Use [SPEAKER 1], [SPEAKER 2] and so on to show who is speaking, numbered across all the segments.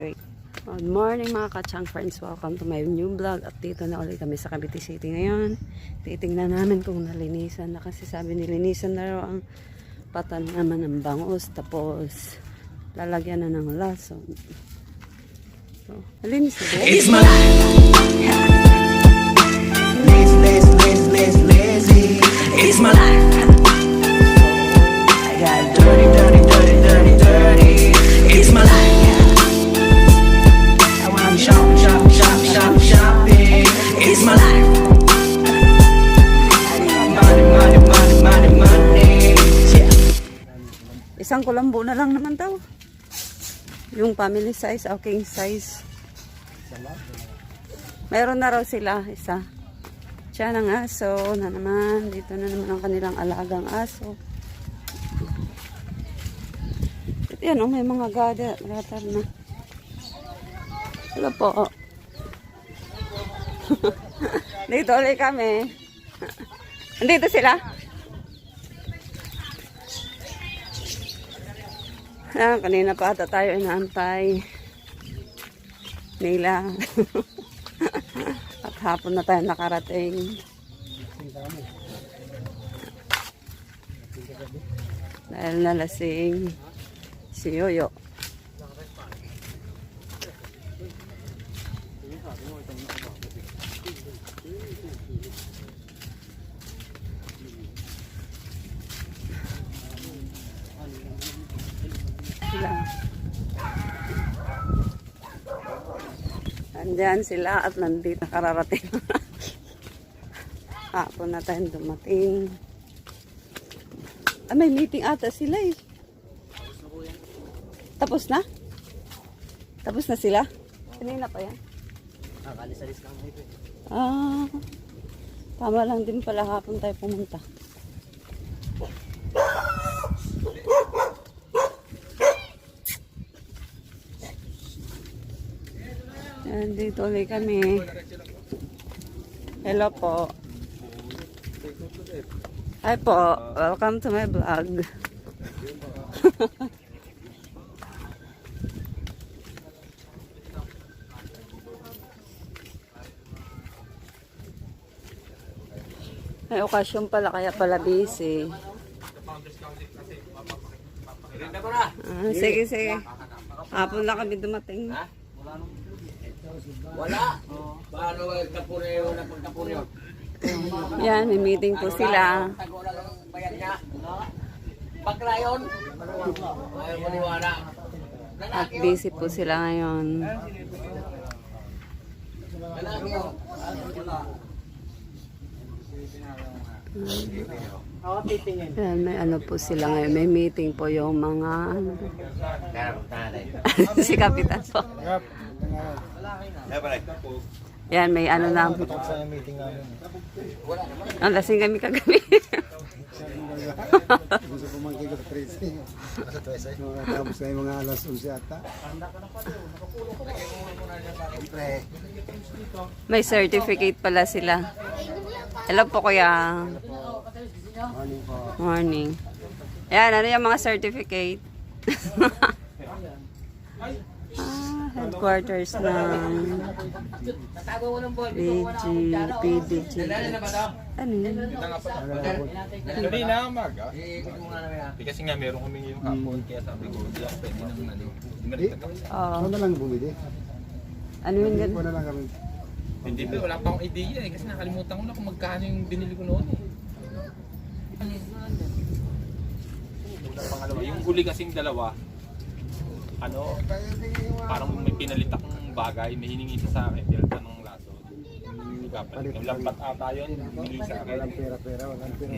[SPEAKER 1] Good morning mga ka-chang friends, welcome to my new vlog. At dito na ulit kami sa Cavite City ngayon. Titingnan namin kung nalinisan na, kasi sabi nilinisan na raw ang patan naman ng bangus, tapos lalagyan na ng lason. So, malinis na din.
[SPEAKER 2] It's my life. Lazy. It's my life. I got dirty. It's my life. I wanna shopping. It's my life. Money. Yeah.
[SPEAKER 1] Isang kulambo na lang naman daw. Yung family size o king size. Meron na raw sila isa. Siya ng aso na naman. Dito na naman ang kanilang alagang aso. At yan, may mga gatar na. Hello po. Dito ulit kami. Andito sila. Kanina pa ata tayo inaantay nila. At hapon na tayo nakarating. Dahil nalasing si Yoyo. Sila. Andyan sila at nandito kararating. Hapon na tayong dumating. May meeting ata sila eh. Tapos na? Tapos na sila? Kanina pa yan?
[SPEAKER 2] Nakalisalis lang ito.
[SPEAKER 1] Tama lang din pala hapon tayo pumunta. Yan, dito ulit kami. Hello po. Hi po. Welcome to my vlog. May okasyon pala, kaya pala busy. Sige. Hapon lang kami dumating.
[SPEAKER 2] Wala. Paano kapureo na pagkapureo?
[SPEAKER 1] Yan, may meeting po sila.
[SPEAKER 2] Tago lang ang bayan niya. Paglayon. Ayaw maniwala.
[SPEAKER 1] At busy po sila ngayon. Yan, may ano po sila ngayon. May meeting po yung mga si Kapitan po. Yan, may ano na. Ang lasing kami kagabi.
[SPEAKER 3] Gusto ko mangkiko sa 13. Tapos na yung mga alas 11 ata.
[SPEAKER 1] May certificate pala sila. Hello po kuya.
[SPEAKER 3] Morning po.
[SPEAKER 1] Morning. Yan, ano yung mga certificate? Headquarters ng PDG. Ano yun?
[SPEAKER 4] Hindi na umaga. Kasi nga meron kami yung hapon, kaya sabi ko, hindi ako pwede naman na doon.
[SPEAKER 3] Ano na lang bumili?
[SPEAKER 1] Ano yun?
[SPEAKER 3] Hindi ko na lang kami.
[SPEAKER 4] Hindi pa, wala pa akong idea eh. Kasi nakalimutan ko na kung magkano yung binili ko noon eh. Pangalawa, yung huli kasing dalawa, parang may pinalit akong bagay, may hiningi sa akin, dilta ng laso. Yung lampat ata yun, hiningi sa akin.
[SPEAKER 3] Walang pera, walang pera.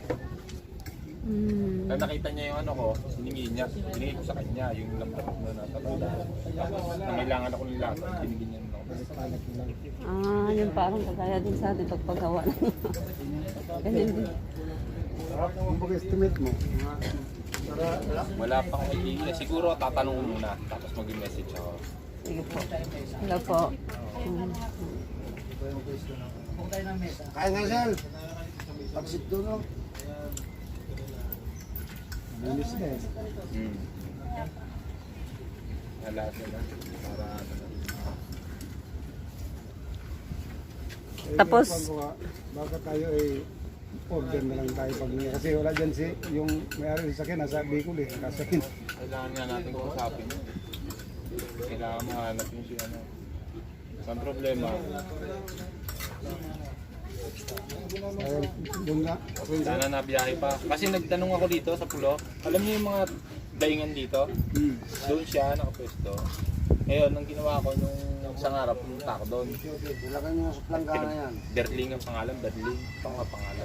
[SPEAKER 4] Kaya nakita niya yung ano ko, hiningi ko sa kanya, yung lampat na natatanda. Tapos, nangailangan ako ng laso, binigyan niya ng laso.
[SPEAKER 1] Yung parang kagaya din sa atin pagpagawa. Ganyan din.
[SPEAKER 3] Kung pag-estimate mo,
[SPEAKER 4] Wala pa akong idea. Siguro tatanungin muna, tapos mag-message ako.
[SPEAKER 1] Sige po. Hello po.
[SPEAKER 3] kaya nga sal. Pagsit doon no. Linis na eh.
[SPEAKER 4] Wala sila.
[SPEAKER 1] Tapos,
[SPEAKER 3] baka tayo ay order na lang tayo pag kasi wala dyan si yung may-ari sa akin nasa Bicol eh, nasa akin.
[SPEAKER 4] Kailangan nga natin kausapin yun. Kailangan mahanap yung si ano. Ang problema,
[SPEAKER 3] Ayun, doon nga.
[SPEAKER 4] sana nabiyahe pa. Kasi nagtanong ako dito sa pulo. Alam niyo yung mga daingan dito? Doon siya nakapwesto. Ngayon, ang ginawa ko nung isang harap, pumunta ako doon.
[SPEAKER 3] Ilagay mo sa planggana yan.
[SPEAKER 4] Berling ang pangalan, Berling. Ito ang pangalan.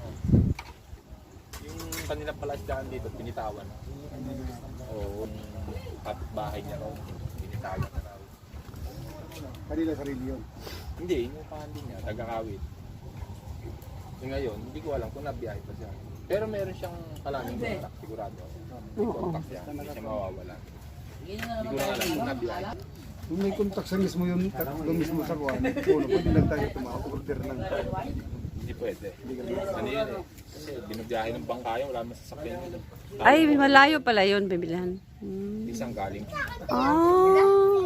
[SPEAKER 4] Yung kanilang palasdaan dito, pinitawan. Oo, yung kapitbahay niya raw. Pinitawan na raw.
[SPEAKER 3] Kanila sarili yun.
[SPEAKER 4] Hindi, yung pangalan niya, taga-Kawit. So ngayon, hindi ko alam kung nabiyahe pa siya. Pero meron siyang kalaming contact, sigurado. May contact siya, hindi siya mawawala. Hindi ko na alam kung nabiyahe.
[SPEAKER 3] Kung may contact sa mismo yun, doon mismo sa kuwan, pwede lang tayo order ng
[SPEAKER 4] Hindi pwede. Ano yun eh? Kasi binabiyahe ng bangka yun, wala naman sasakyan yun.
[SPEAKER 1] ay, malayo pala yun, bibilihan.
[SPEAKER 4] Isang galing.
[SPEAKER 1] Ah.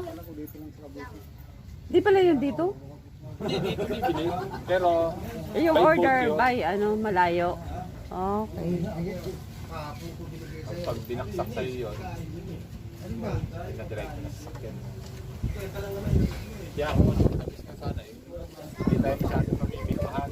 [SPEAKER 1] Di pala yun dito?
[SPEAKER 4] Hindi, dito bibili. Pero,
[SPEAKER 1] Yung
[SPEAKER 4] by boat
[SPEAKER 1] order
[SPEAKER 4] yun.
[SPEAKER 1] by, malayo. Okay.
[SPEAKER 4] Pag binaksak sa'yo yun, na-direct na sasakyan. Kaya ako mas na sana eh. Hindi tayo masyadong mamimilmahan.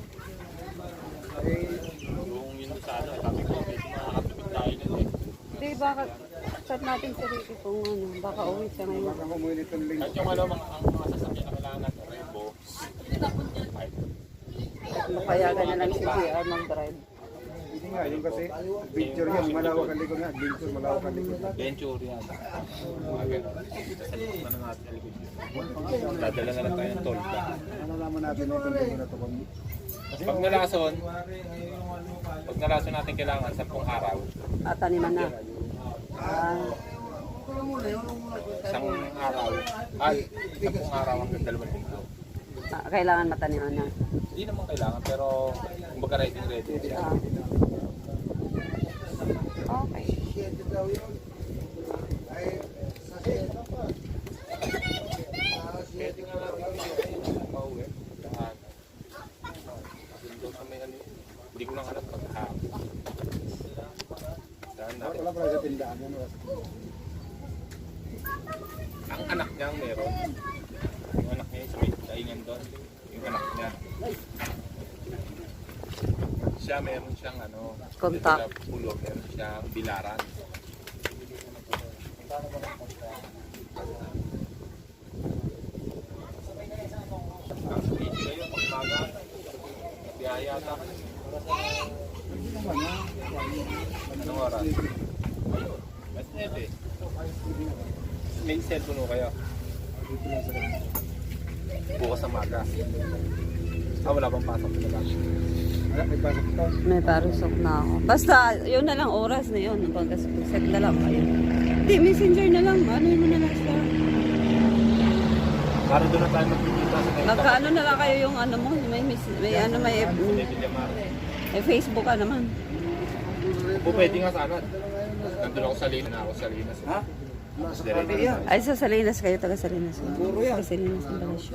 [SPEAKER 4] Kung yun sa ano, sabi ko, medyo makakatubig tayo nun eh.
[SPEAKER 1] Di baka, chat natin si Ricky kung baka uwi siya ngayon.
[SPEAKER 3] baka kumuha nitong link.
[SPEAKER 4] At yung ano, ang mga sasakyan na kailangan natin, Rebo, ay,
[SPEAKER 1] Mapayagan na lang si JR mag-drive.
[SPEAKER 3] Hindi nga, yung kasi adventure yan, malawak ang likod nga, adventure, malawak ang likod.
[SPEAKER 4] venture yan. Mga ganun. Sa likod na natin sa likod yun. Dadala na lang tayo ng tolda.
[SPEAKER 3] Nalalaman natin itong link na ito.
[SPEAKER 4] Pag nalason natin kailangan 10 araw.
[SPEAKER 1] At taniman na.
[SPEAKER 4] Isang araw. Ay, 10 araw hanggang 2 linggo.
[SPEAKER 1] Kailangan mataniman na.
[SPEAKER 4] Hindi naman kailangan, pero kumbaga ready siya.
[SPEAKER 1] Okay.
[SPEAKER 4] Pwede nga natin pauwi. Doon sa may ano, hindi ko lang alam paghahapon. Saan natin?
[SPEAKER 3] Wala pala sa tindahan.
[SPEAKER 4] Ang anak niya ang meron. Yung anak niya yung sa may daingan doon. Yung anak niya. Siya meron siyang ano,
[SPEAKER 1] Contact.
[SPEAKER 4] dito sa pulo, meron siyang bilaran. Ang speed kayo, pagkaga, biyaya yata. Anong oras? Ayun, mas 9. May cellphone mo kayo? Bukas na maga. Wala bang pasok na lang?
[SPEAKER 3] Wala, may pasok ito.
[SPEAKER 1] May parusok na ako. Basta, yun na lang oras na yun. Pag-set na lang kayo. Hindi, messenger na lang. Ano yun na lang siya.
[SPEAKER 4] Para doon na tayo magpipita sa kayo.
[SPEAKER 1] Magkaano na lang kayo yung ano mo. May Facebook ka naman.
[SPEAKER 4] O pwede nga sana. Nandun ako sa Linas. Ako sa Linas. Ha?
[SPEAKER 1] Ay, sa Salinas kayo. Taga Salinas. Puro yan. Taga Salinas ng Balasyo.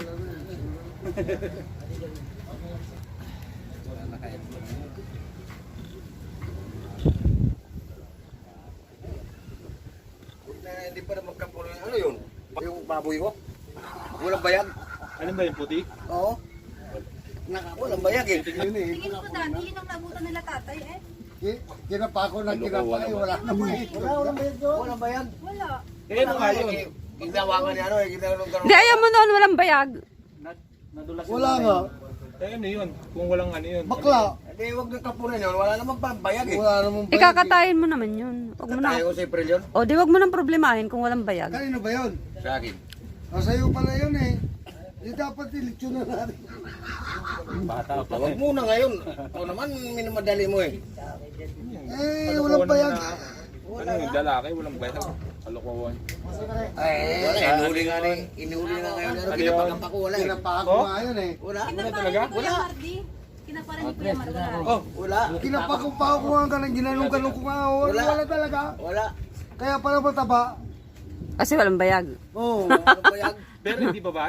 [SPEAKER 2] Hindi pa naman kapulo. Ano yun? Yung baboy ko? Walang bayag?
[SPEAKER 4] Ano ba yung puti?
[SPEAKER 2] Oo. Walang bayag eh.
[SPEAKER 3] Yun eh.
[SPEAKER 5] Tingin ko dati, yun ang nabutan nila tatay eh.
[SPEAKER 3] Kinapa ko ng kinapa eh, wala naman eh. Walang bayad doon.
[SPEAKER 2] Walang bayag.
[SPEAKER 5] Wala.
[SPEAKER 4] Kaya ano nga yun?
[SPEAKER 2] Ginawakan niya ano eh.
[SPEAKER 1] Hindi, ayaw mo noon walang bayag.
[SPEAKER 3] Wala nga.
[SPEAKER 4] Kaya ano yun? Kung walang ano yun?
[SPEAKER 3] Bakla.
[SPEAKER 2] Hindi, huwag na kapunan yun. Wala naman pa bayag eh.
[SPEAKER 3] Wala naman bayad.
[SPEAKER 1] Ikakatayin mo naman yun. Wag mo na.
[SPEAKER 2] Tayo ko sa April yun.
[SPEAKER 1] O, di wag mo nang problemahin kung walang bayag.
[SPEAKER 3] Kanino ba yun?
[SPEAKER 2] Sa akin.
[SPEAKER 3] Sa'yo pala yun eh. Di dapat ilitsyon na natin.
[SPEAKER 4] Bata pa.
[SPEAKER 2] Huwag muna ngayon. O naman, minamadali mo eh.
[SPEAKER 3] Eh, walang bayag.
[SPEAKER 4] Ano yung lalaki? Walang bayag. Kalokohan.
[SPEAKER 2] Ay, wala. Inuli nga rin. Inuli nga ngayon. Ano, kinapakapa ko wala eh.
[SPEAKER 3] Kinapa ko nga yun eh.
[SPEAKER 2] Wala.
[SPEAKER 5] Kinaparan ni Kuya Mardi. Kinaparan ni Kuya Mardi. Wala.
[SPEAKER 2] Oh, wala.
[SPEAKER 3] Kinapa ko pa ako nga ka ng ginanong-ganong ko nga. Wala talaga.
[SPEAKER 2] Wala.
[SPEAKER 3] Kaya pala mataba.
[SPEAKER 1] Kasi walang bayag.
[SPEAKER 3] Oo.
[SPEAKER 2] Walang bayag.
[SPEAKER 4] Pero hindi babae.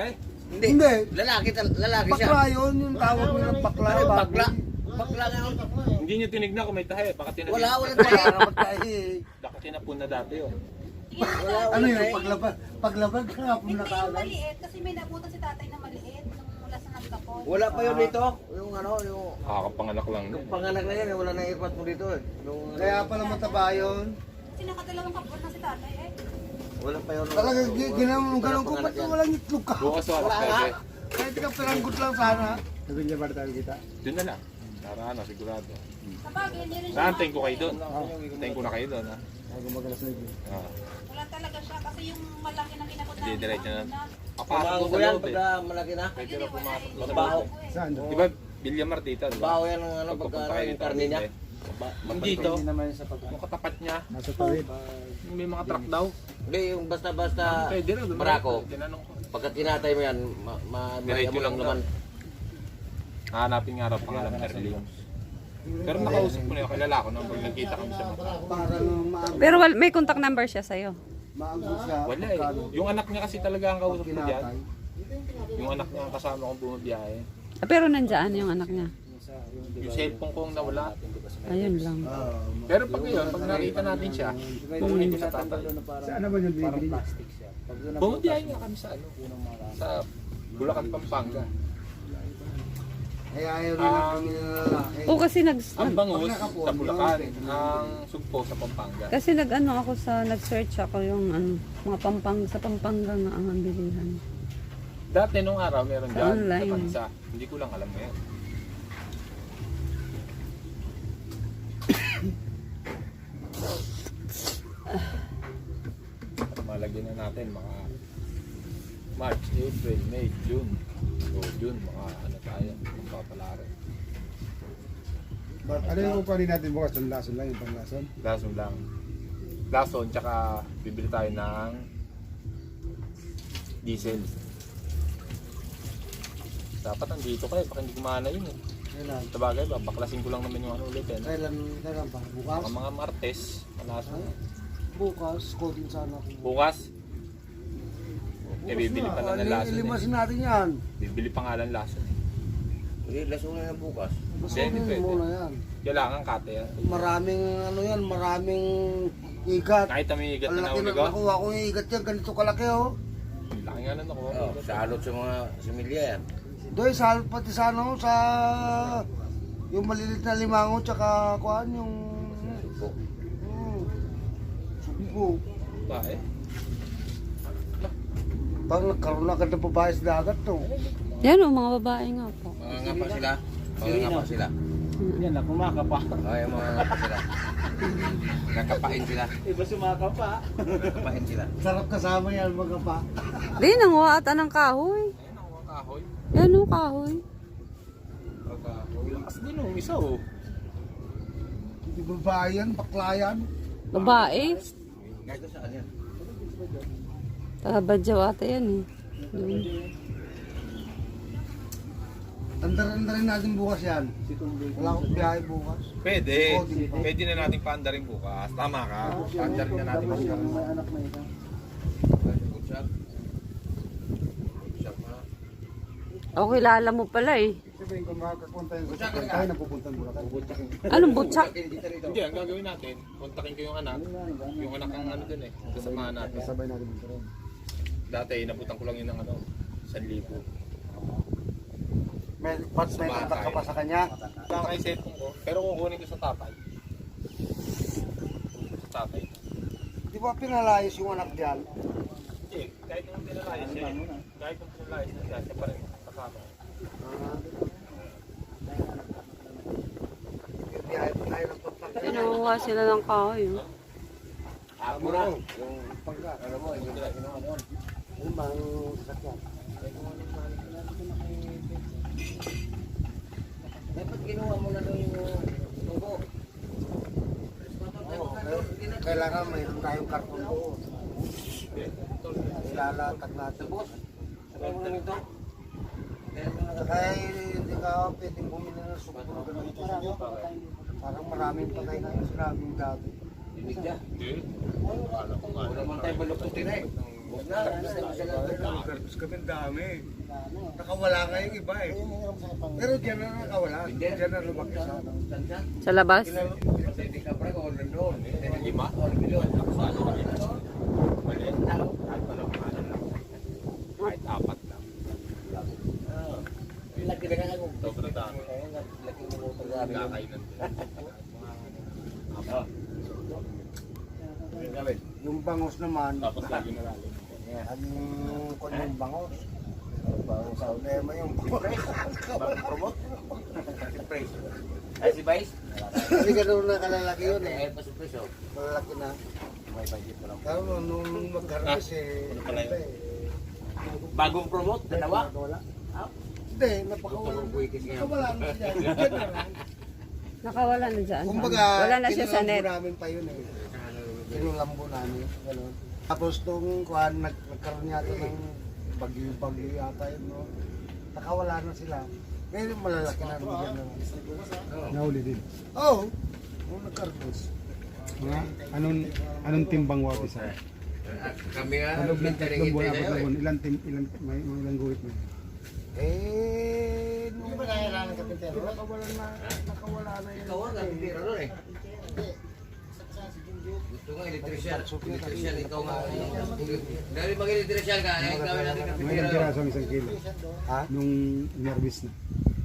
[SPEAKER 3] Hindi.
[SPEAKER 2] Lalaki siya.
[SPEAKER 3] Bakla yun, yung tawag nila bakla.
[SPEAKER 2] Ano,
[SPEAKER 3] baboy.
[SPEAKER 2] bakla? Bakla nga yun.
[SPEAKER 4] Hindi nyo tinignan kung may tahe. Baka tinapon.
[SPEAKER 2] Wala tayo.
[SPEAKER 4] Baka tinapon na dati yun.
[SPEAKER 3] Ano yun, paglabag ka nga
[SPEAKER 5] Hindi
[SPEAKER 3] na
[SPEAKER 5] yung
[SPEAKER 3] kaagad.
[SPEAKER 5] maliit kasi may nabutan si tatay na maliit nung mula sa nagkapon.
[SPEAKER 2] Wala pa yun dito. Yung ano, yung
[SPEAKER 4] Kakapanganak lang nun.
[SPEAKER 2] panganak na yan, wala na ipat mo dito. Yung,
[SPEAKER 3] Kaya pala mataba yun.
[SPEAKER 5] Kasi nakadalawang kapon na si tatay eh.
[SPEAKER 2] wala pa yun.
[SPEAKER 3] Talagang ginanong ko, ba't walang itlog ka?
[SPEAKER 4] Bukas wala
[SPEAKER 2] Wala nga.
[SPEAKER 4] pwede.
[SPEAKER 3] Kahit ka peranggot lang sana. Sabi niya ba tayo kita?
[SPEAKER 4] Doon na lang. Narana, sigurado.
[SPEAKER 5] Kapag hindi rin siya
[SPEAKER 4] Naantayin ko kayo doon. Antayin ko na kayo doon, ha?
[SPEAKER 3] Ako magalas na yun.
[SPEAKER 4] Ah.
[SPEAKER 5] wala talaga siya kasi yung malaki na kinakot
[SPEAKER 4] Hindi, diretso na. Papasok
[SPEAKER 2] Pumangko
[SPEAKER 4] ko sa
[SPEAKER 2] yan
[SPEAKER 4] loob, eh.
[SPEAKER 2] pagka malaki na.
[SPEAKER 4] Pwede na pumasok sa
[SPEAKER 2] Baho.
[SPEAKER 4] loob.
[SPEAKER 3] Saan?
[SPEAKER 4] Di ba, Villamar dito, di ba?
[SPEAKER 2] Baho yan ng ano,
[SPEAKER 4] Pag
[SPEAKER 2] pagka
[SPEAKER 4] pupunta kayo
[SPEAKER 2] yung
[SPEAKER 4] dito,
[SPEAKER 2] karne niya.
[SPEAKER 4] eh. Yung dito,
[SPEAKER 3] naman sa pag
[SPEAKER 4] yung katapat niya,
[SPEAKER 3] nasa tawid.
[SPEAKER 4] yung may mga truck daw.
[SPEAKER 2] Hindi, yung basta-basta
[SPEAKER 4] Pwede na, doon.
[SPEAKER 2] barako.
[SPEAKER 4] Tinanong ko.
[SPEAKER 2] Pagka tinatay mo yan,
[SPEAKER 4] Diretso
[SPEAKER 2] mo lang
[SPEAKER 4] lang
[SPEAKER 2] naman.
[SPEAKER 4] Hahanapin nga raw pangalan Perlin. Pero nakausap ko na yun, kilala ko nung pag nagkita kami sa mga.
[SPEAKER 3] Para
[SPEAKER 1] Pero may contact number siya sa'yo.
[SPEAKER 3] maanggo siya.
[SPEAKER 4] Wala eh. Yung anak niya kasi talaga ang kausap ko dyan.
[SPEAKER 3] Kinatay.
[SPEAKER 4] Yung anak niya ang kasama kong bumabiyahe.
[SPEAKER 1] Ah, pero nandyan yung anak niya.
[SPEAKER 4] Yung cellphone ko ang nawala.
[SPEAKER 1] Ayun lang.
[SPEAKER 4] Pero pag ngayon, pag nakita natin siya, pukunin ko sa tatay.
[SPEAKER 3] Saan naman yung bibili niya?
[SPEAKER 4] Bumabiyahe nga kami sa ano, sa Bulacan, Pampanga.
[SPEAKER 3] Kaya ayaw rin ang pamilya ng lalaki.
[SPEAKER 1] Oo, kasi
[SPEAKER 4] Ang bangus sa Bulacan, ang sugpo sa Pampanga.
[SPEAKER 1] kasi nag-search ako yung mga sa Pampanga nga ang bilihan.
[SPEAKER 4] Dati nung araw meron
[SPEAKER 1] Sa
[SPEAKER 4] dyan sa
[SPEAKER 1] online.
[SPEAKER 4] bansa. Hindi ko lang alam ngayon. Malagyan na natin mga March, April, May, June. So June, mga ano tayo, magpapalari.
[SPEAKER 3] Ano yung uparin natin bukas? Yung lason lang, yung panglason?
[SPEAKER 4] Lason lang. Lason, tsaka bibili tayo ng diesel. Dapat nandito kayo, baka hindi kumana yun eh.
[SPEAKER 3] Kailan?
[SPEAKER 4] Sabagay ba, baklasin ko lang naman yung ano ulit eh.
[SPEAKER 3] Kailan pa? Bukas?
[SPEAKER 4] Mga Martes, malason.
[SPEAKER 3] Bukas, kodin sana ako.
[SPEAKER 4] Bukas, eh bibili pa lang ng lason eh.
[SPEAKER 3] Ilimasin natin yan.
[SPEAKER 4] Bibili pa nga lang lason eh.
[SPEAKER 2] Hindi, lasunan na bukas.
[SPEAKER 3] Basunin
[SPEAKER 4] pwede.
[SPEAKER 3] muna yan.
[SPEAKER 4] Kailangan kate yan.
[SPEAKER 3] Maraming ano yan, maraming igat.
[SPEAKER 4] Kahit na may igat
[SPEAKER 3] Ang
[SPEAKER 4] na
[SPEAKER 3] laki na
[SPEAKER 4] nahuli ko,
[SPEAKER 3] nakuha ko yung igat yan, ganito kalaki oh.
[SPEAKER 4] laki nga na nakuha.
[SPEAKER 2] Oh, sa alot sa mga similya yan.
[SPEAKER 3] Doy, pati sa ano, sa yung malilit na limango, tsaka kuhaan yung sugpo.
[SPEAKER 4] Ba eh?
[SPEAKER 3] Pag nagkaroon na agad ng babae sa dagat to.
[SPEAKER 1] Yan o, mga babae nga po.
[SPEAKER 2] Mga ngapa sila. Mga ngapa sila.
[SPEAKER 3] Yan na, kumakapa.
[SPEAKER 2] Ay, mga ngapa sila. Nakapain sila.
[SPEAKER 3] Iba sumakapa.
[SPEAKER 2] Nakapain sila.
[SPEAKER 3] Sarap kasama yan, mga pa.
[SPEAKER 1] Di, nanguha ata ng kahoy.
[SPEAKER 4] Ayun ang mga kahoy.
[SPEAKER 1] Yan o, kahoy.
[SPEAKER 4] Kahoy. Lakas din oh, isa oh.
[SPEAKER 3] Hindi babae yan, bakla yan.
[SPEAKER 1] Babae.
[SPEAKER 2] Kahit saan yan.
[SPEAKER 1] Tabadyaw ata yan eh. Doon.
[SPEAKER 3] Andarin natin bukas yan. Wala akong biyahe bukas.
[SPEAKER 4] Pwede. Pwede na natin paandarin bukas. Tama ka. Paandarin na natin bukas.
[SPEAKER 3] May anak na ito.
[SPEAKER 2] Good shot. Good shot na.
[SPEAKER 1] O, kilala mo pala eh.
[SPEAKER 3] Sabihin ko makakapunta yun sa sakyan tayo, napupuntan mo lang.
[SPEAKER 1] Anong butsak?
[SPEAKER 4] Hindi, ang gagawin natin, kontakin ko yung anak. Yung anak ang ano dun eh. Kasamahan natin.
[SPEAKER 3] Sabay natin dito rin.
[SPEAKER 4] Dati, inabutan ko lang yun ng ano, 1,000.
[SPEAKER 3] May kontak ka pa sa kanya.
[SPEAKER 4] Saka kay cellphone ko, pero kukunin ko sa tatay. Sa tatay.
[SPEAKER 3] Di ba pinalayos yung anak diyan?
[SPEAKER 4] Hindi, kahit kung pinalayas siya, kahit kung pinalayas na siya, siya pa rin kasama.
[SPEAKER 3] Biyahe pa tayo ng kontak.
[SPEAKER 1] Kinuha sila ng kahoy. Oh.
[SPEAKER 2] Ako na.
[SPEAKER 3] Yung pagka.
[SPEAKER 2] Ano mo, yung ano.
[SPEAKER 3] Yung bang sasakyan.
[SPEAKER 2] Dapat ginawa mo na doon yung tubo.
[SPEAKER 3] Kailangan mayroon tayong karton doon. Ilalatag natin.
[SPEAKER 2] Boss, sabay mo lang ito.
[SPEAKER 3] Saka hindi ka pwedeng bumili ng suko na ganito. Parang maraming patay na yung sinabing dati.
[SPEAKER 2] Dinig niya.
[SPEAKER 4] Hindi. Ano kung
[SPEAKER 2] Wala man tayo balukutin eh. Huwag na.
[SPEAKER 3] Garbis kami dami. Nakawala nga yung iba eh. Pero diyan na nakawala. Diyan na lumaki sa
[SPEAKER 1] Sa labas?
[SPEAKER 2] Kasi hindi ka pre, kung nandun. Lima? O, milyon.
[SPEAKER 4] Maliit na. Kahit walang ano lang. Kahit apat lang.
[SPEAKER 2] Laki na nga kung
[SPEAKER 4] Sobrang dami.
[SPEAKER 2] laki mo kung pag-aaral.
[SPEAKER 4] Kakainan din.
[SPEAKER 2] Gawin.
[SPEAKER 3] yung bangos naman.
[SPEAKER 4] Tapos lagi na lalo.
[SPEAKER 3] Ang kanyang bangos. Bangos sa ulema yung bangos.
[SPEAKER 2] Promote? Surprise. Ay, si Vice?
[SPEAKER 3] Hindi ganun na kalalaki yun eh.
[SPEAKER 2] Eh, pa-surprise oh.
[SPEAKER 3] Malalaki na.
[SPEAKER 2] May budget mo lang.
[SPEAKER 3] Pero nung mag-harvest
[SPEAKER 2] Bagong promote, dalawa?
[SPEAKER 3] Wala. Hindi, napakawala.
[SPEAKER 2] Buwikis nga.
[SPEAKER 3] Wala na siya. Diyan na lang.
[SPEAKER 1] Nakawala na dyan.
[SPEAKER 3] Kumbaga,
[SPEAKER 1] Wala na siya sa
[SPEAKER 3] kinulambo
[SPEAKER 1] net.
[SPEAKER 3] namin pa yun eh. Kinulambo namin. Ganun. Tapos nung kuhan, nagkaroon yata ng bagyo yata yun, no? Nakawala na sila. Ngayon malalaki na rin dyan na.
[SPEAKER 6] Nahuli din.
[SPEAKER 3] Oo. Nung nagkaroon.
[SPEAKER 6] Mga anong timbang wabi sa?
[SPEAKER 2] Kami nga,
[SPEAKER 6] Ano ng tatlong buwan, apat na
[SPEAKER 2] eh.
[SPEAKER 6] buwan, ilang guhit na?
[SPEAKER 3] Nung ba kailangan ng kapitero? Nakawala na yun.
[SPEAKER 2] Ikaw ang kapitero nun eh. Gusto nga, electrician. Electrician, ikaw nga. Dahil mag-electrician ka, eh, gawin natin
[SPEAKER 6] May
[SPEAKER 2] kapitero.
[SPEAKER 6] ilang piraso ang isang kilo.
[SPEAKER 3] Ha?
[SPEAKER 6] Nung inarbis na.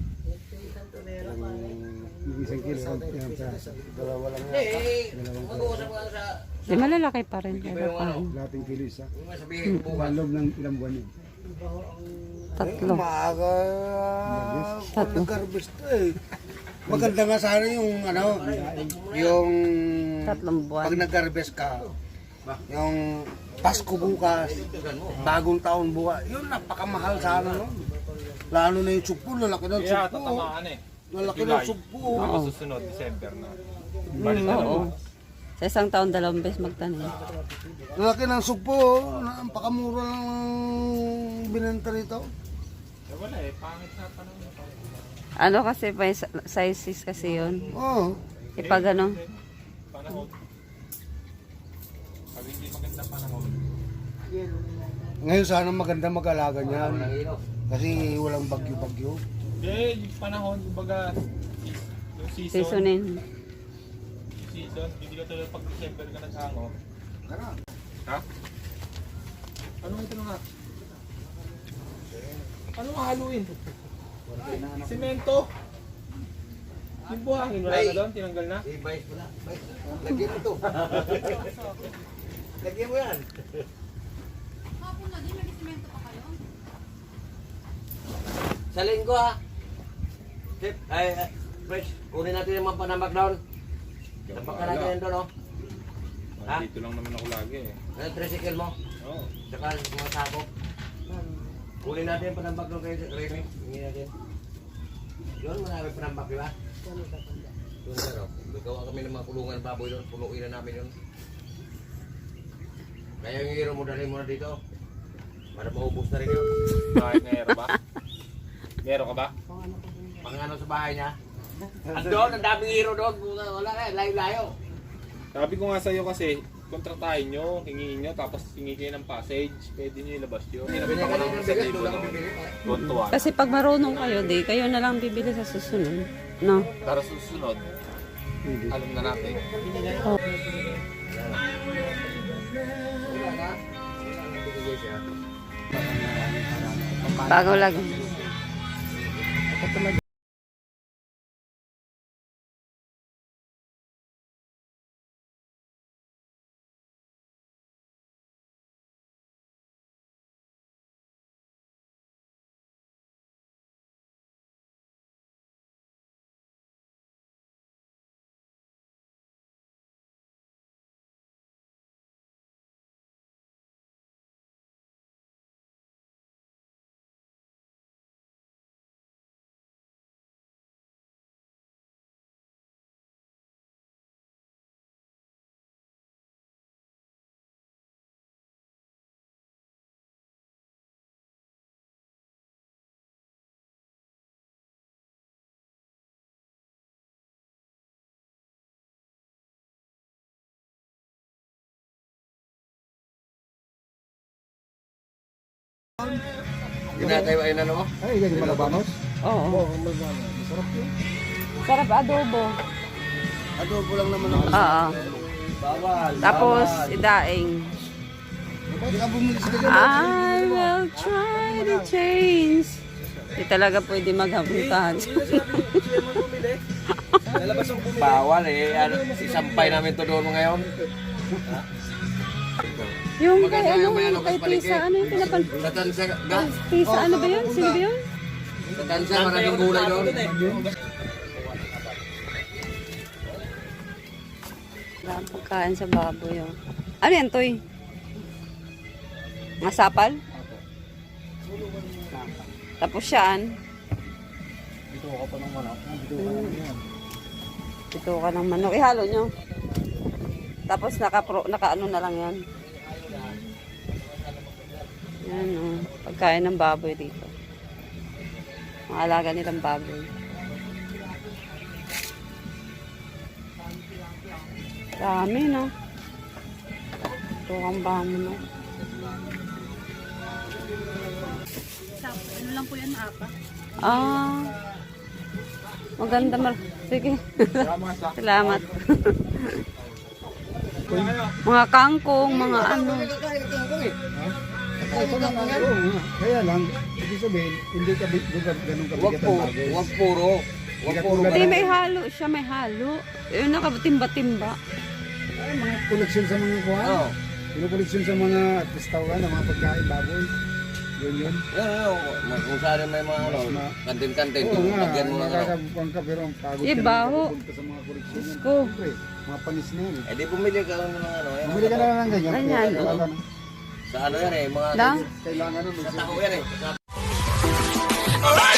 [SPEAKER 6] Yung isang kilo, ilang piraso.
[SPEAKER 3] Dalawa lang
[SPEAKER 2] Hindi, eh, mag-uusap ka sa...
[SPEAKER 1] Di malalaki pa rin.
[SPEAKER 2] Hindi ba
[SPEAKER 1] Pero
[SPEAKER 2] yung ano?
[SPEAKER 1] pa.
[SPEAKER 6] Lahating kilo isa.
[SPEAKER 2] Kung nga sabihin ko bukas.
[SPEAKER 6] Sa loob ng ilang buwan yun.
[SPEAKER 1] Tatlo.
[SPEAKER 3] Maaga kung nag-harvest eh. Maganda nga sana yung ano, yung
[SPEAKER 1] Tatlong
[SPEAKER 3] pag
[SPEAKER 1] buwan.
[SPEAKER 3] nag-harvest ka, yung Pasko bukas, bagong taon bukas, yun napakamahal sana nun. Lalo na yung sugpo, lalaki ng
[SPEAKER 4] Kaya
[SPEAKER 3] sugpo.
[SPEAKER 4] tatamaan eh.
[SPEAKER 3] Lalaki ng sugpo.
[SPEAKER 4] Tapos susunod, December na. Balik na
[SPEAKER 1] Oo.
[SPEAKER 4] naman.
[SPEAKER 1] Sa isang taon, 2 beses magtanim.
[SPEAKER 3] Lalaki ng sugpo, napakamura lang binenta rito.
[SPEAKER 4] Eh wala eh, pangit na panahon.
[SPEAKER 1] Ano kasi, may sizes kasi yun.
[SPEAKER 3] Oo.
[SPEAKER 1] Ipag ano.
[SPEAKER 4] Panahon. Pag hindi maganda panahon.
[SPEAKER 3] Ngayon sana maganda mag-alaga niyan. Kasi walang bagyo-bagyo.
[SPEAKER 4] Eh, yung panahon, kumbaga, yung season.
[SPEAKER 1] Seasonin.
[SPEAKER 4] Season, hindi ka tulad pag December ka naghango. Ha? Ano ito nga? Ano nga haluin? Semento? Yung buhangin, wala na doon? Tinanggal na?
[SPEAKER 2] Eh, Vice mo na. Vice, lagyan mo to. Lagyan mo yan.
[SPEAKER 5] Hapon na din, may semento pa kayo.
[SPEAKER 2] Sa linggo ha. Tip, ay, Vice, kunin natin yung mga panambak doon. Tambak ka natin yan doon, oh. Ha?
[SPEAKER 4] Dito lang naman ako lagi eh.
[SPEAKER 2] Ano, tricycle mo?
[SPEAKER 4] Oo.
[SPEAKER 2] Saka mga sako. Kunin natin yung panambak doon kayo sa Remy. Hingin natin. Doon, marami panambak, di ba? Doon sir, oh. Gawa kami ng mga kulungan baboy doon. Punuin na namin yun. Kaya yung hero mo, dali mo na dito. Para maubos na rin yun.
[SPEAKER 4] Bakit ngayero ba? Ngayero ka ba?
[SPEAKER 2] Pang ano sa bahay niya. Andun, ang daming hero doon. Wala ka, layo-layo.
[SPEAKER 4] Sabi ko nga sa'yo kasi, kontratahin nyo, hingiin nyo, tapos hingi kayo ng passage, pwede nyo ilabas yun. Hindi naman ako ng sa libo no? Tuwan-tuwan.
[SPEAKER 1] Kasi pag marunong kayo, di kayo na lang bibili sa susunod. No?
[SPEAKER 4] Para susunod, alam na natin.
[SPEAKER 1] Bago lang.
[SPEAKER 2] Ginatayo ay ano mo?
[SPEAKER 6] Ay, ganyan malabanos.
[SPEAKER 1] Oo.
[SPEAKER 3] Oo, masarap yun.
[SPEAKER 1] Sarap adobo.
[SPEAKER 3] Adobo lang naman ang
[SPEAKER 1] Oo.
[SPEAKER 2] Bawal.
[SPEAKER 1] Tapos, idaing.
[SPEAKER 3] Bakit ka bumili sa ganyan?
[SPEAKER 1] I will try to change. Hindi talaga pwede maghabutan.
[SPEAKER 2] Bawal eh. Ano, isampay namin to doon ngayon.
[SPEAKER 1] Yung kay
[SPEAKER 2] Maganda
[SPEAKER 1] ano,
[SPEAKER 2] yung may ano,
[SPEAKER 1] kay
[SPEAKER 2] kasi
[SPEAKER 1] Tisa, ano yung pinapan...
[SPEAKER 2] Sa tansa, ga?
[SPEAKER 1] Tisa, ano ba yun? Sino ba yun?
[SPEAKER 2] Sa tansa, maraming gulay doon.
[SPEAKER 1] Wala pagkain sa baboy. Oh. Ano yan, Toy? Masapal? Tapos siyaan.
[SPEAKER 3] Ito ka pa ng manok. Ito ka lang yan.
[SPEAKER 1] Ito ka ng manok. Ihalo nyo. Tapos naka-ano na lang yan. Yan o. Pagkain ng baboy dito. Mga alaga nilang baboy. Dami no. Ito ang bamo no.
[SPEAKER 5] Ano lang po yan, apa?
[SPEAKER 1] Ah. Maganda sige. Salamat. Mga kangkong, mga ano.
[SPEAKER 6] Ito lang ang ano. Kaya lang, ibig sabihin, hindi ka ganun
[SPEAKER 2] Wag
[SPEAKER 6] kabigat
[SPEAKER 2] po,
[SPEAKER 6] ang bagay.
[SPEAKER 2] wag puro. Wag puro.
[SPEAKER 1] Hindi, may halo siya, may halo. Yung nakatimba-timba.
[SPEAKER 6] Ay, mga koleksyon sa mga kuha.
[SPEAKER 2] Oo.
[SPEAKER 6] Pinukoleksyon sa mga restaurant, ng mga pagkain, baboy. Yun yun.
[SPEAKER 2] Kung saan may mga ano, kantin-kantin,
[SPEAKER 6] Oo nga,
[SPEAKER 2] lagyan mo ng ano.
[SPEAKER 6] nakakabukan ka pero ang pagod
[SPEAKER 1] Eh,
[SPEAKER 6] ka
[SPEAKER 1] baho.
[SPEAKER 6] na pupunta sa mga koleksyon. yan.
[SPEAKER 1] Ko.
[SPEAKER 6] Siyempre, mga panis na yun.
[SPEAKER 2] Eh di bumili ka lang ng ano. eh,
[SPEAKER 6] Bumili ka na lang ng ganyan.
[SPEAKER 1] Ganyan, oo.
[SPEAKER 6] Kailangan,
[SPEAKER 2] Sa ano yan eh, mga...
[SPEAKER 1] Lang?
[SPEAKER 6] kailangan nun.
[SPEAKER 2] Sa tao yan eh. Sa